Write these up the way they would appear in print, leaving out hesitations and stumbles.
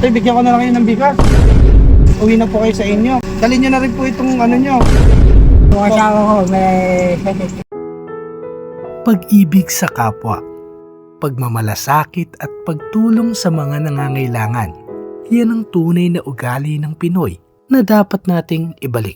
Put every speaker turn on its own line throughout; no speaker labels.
Tay, bigyan ko na lang kayo ng bigas. Uwi na po kayo sa inyo. Dalhin nyo na rin po itong ano nyo.
Yung asawa ko, may sakit.
Pag-ibig sa kapwa, pagmamalasakit at pagtulong sa mga nangangailangan. Yan ang tunay na ugali ng Pinoy na dapat nating ibalik.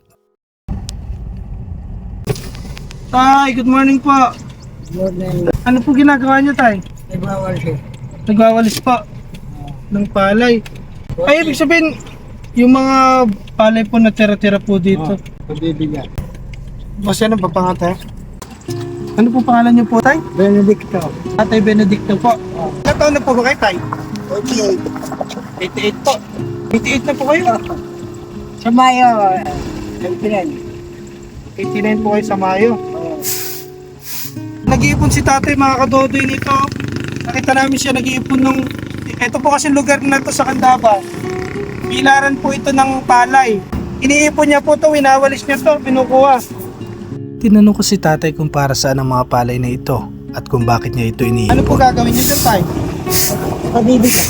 Tay, good morning po.
Morning.
Ano po ginagawa nyo, Tay?
Nagwawal siya.
Nagwawalis po ng palay. Ay, ibig sabihin, yung mga palay po na tira-tira po dito.
Pabibigyan.
Boss, ano pa pangatay? Ano po pangalan niyo po, Tay?
Benedicto.
Tatay Benedicto po. Ilang taon na po ba kayo, Tay?
48.
88 po. 88 na po kayo.
Sa Mayo, Pinan.
89 po kayo sa Mayo. Nag-iipon si tatay, mga kadodoy nito. Nakita namin siya nag-iipon nung... Ito po kasi lugar na to sa Candaba. Pilaran po ito ng palay. Iniipon niya po to, winawalis niya to, pinukuha.
Tinanong ko si tatay kung para saan ang mga palay na ito at kung bakit niya ito
Ano po
iniipon.
gagawin niyo dyan, Tay?
Pabibigyan.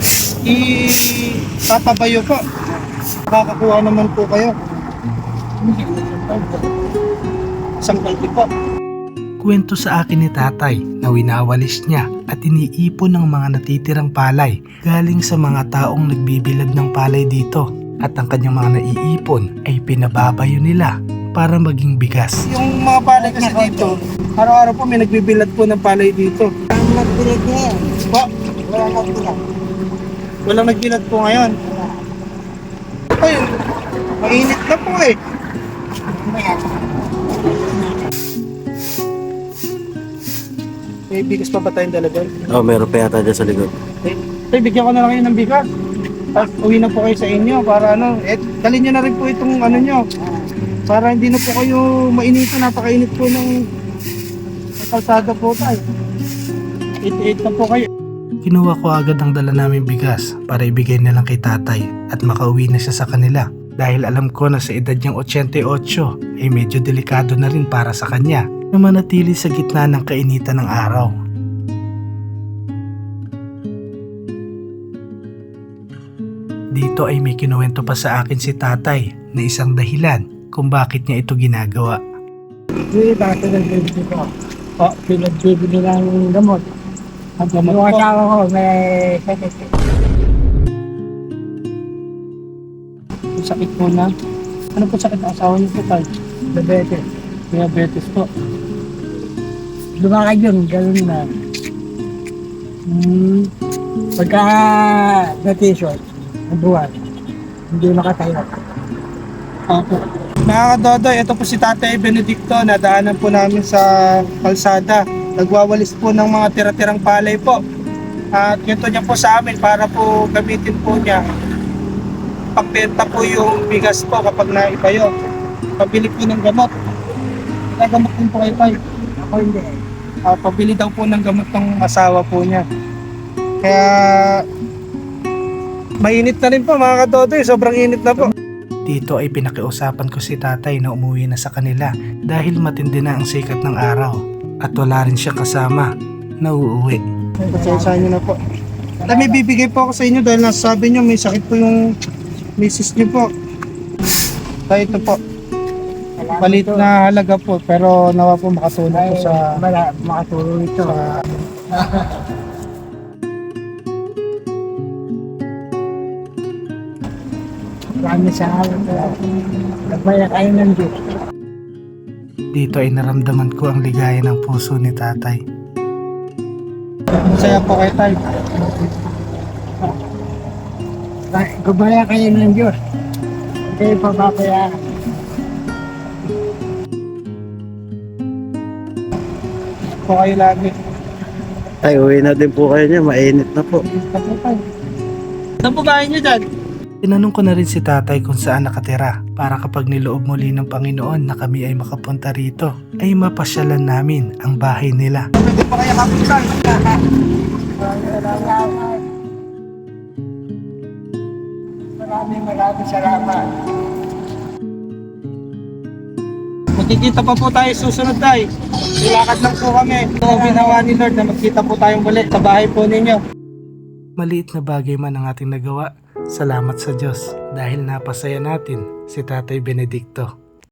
Tatabayo po. Makakakuha naman po kayo. Isang kaldi po.
Kwento sa akin ni tatay na winawalis niya at iniipon ng mga natitirang palay galing sa mga taong nagbibilad ng palay dito at ang kanyang mga naiipon ay pinababayo nila para maging bigas.
Yung mga palay kasi dito, araw-araw po may nagbibilad po ng palay dito.
Ang nagbilag niya yan.
Po,
Wala nagbilag.
walang nagbilad po ngayon. Ayun, mainit na po eh. May bigas pa ba tayong dala doon?
Oh, meron pa yata dyan sa likod.
Tay, bigyan ko na lang kayo ng bigas. Tapos uwi na po kayo sa inyo para ano, dalhin nyo na rin po itong ano nyo. Para hindi na po kayo mainitan, napakainit po ng kalsada po tayo. 88 na po kayo.
Kinuha ko agad ang dala naming bigas para ibigay na lang kay tatay at makauwi na siya sa kanila dahil alam ko na sa edad niyang 88 ay medyo delikado na rin para sa kanya na manatili sa gitna ng kainitan ng araw. Dito ay may kinuwento pa sa akin si tatay na isang dahilan kung bakit niya ito ginagawa.
Hindi, bakit nagbibigyan ko? O, pinagbibigyan ng gamot.
Ang gamot
Yung
po.
asawa ko, may sakit.
Yung sakit po na. Ano po sakit ang asawa niyo po tayo?
Diabetes.
Diabetes po.
Lumakad yun, gano'n na. Pagka na-t-shirt, ang buwan, hindi makatayo.
Opo. Mga kadodoy, ito po si Tatay Benedicto. Nadaanan po namin sa kalsada. Nagwawalis po ng mga tira-tirang palay po. At ito niya po sa amin para po gamitin po niya. Pagbenta po yung bigas po kapag naibayo. Pabili po ng gamot. Nagamot din po kayo tayo.
Ako hindi.
Pabili daw po ng gamot ng asawa po niya. Kaya mainit na rin po mga kadodoy. Sobrang init na po.
Dito ay pinakiusapan ko si tatay na umuwi na sa kanila dahil matindi na ang sikat ng araw at wala rin siya kasama na uuwi.
Pasensya nyo na po. At may bibigay po ako sa inyo dahil nasasabi nyo may sakit po yung misis nyo po. Kaya ito po, palit na halaga po pero nawa po makatulong po sa...
Makatulong ito.
sa
Marami sa alam ko. Nagbaya kayo ng Diyos.
Dito ay naramdaman ko ang ligaya ng puso ni tatay.
masaya po kayo tayo.
Gabaya kayo ng Diyos. Hindi pababayaan.
Po kayo lagi.
Ay, uwi na din po kayo niya. Mainit na po.
Tapos tayo. Saan po bahay nyo dyan?
Tinanong ko na rin si tatay kung saan nakatira para kapag niloob muli ng Panginoon na kami ay makapunta rito ay mapasyalan namin ang bahay nila.
Pwede pa kayo kapitan.
Maraming salamat.
Magkikita pa po tayo susunod tayo. Ilakad lang po kami. Ito ginawa ni Lord na magkita po tayong muli sa bahay po ninyo.
Maliit na bagay man ang ating nagawa, salamat sa Diyos dahil napasaya natin si Tatay Benedicto.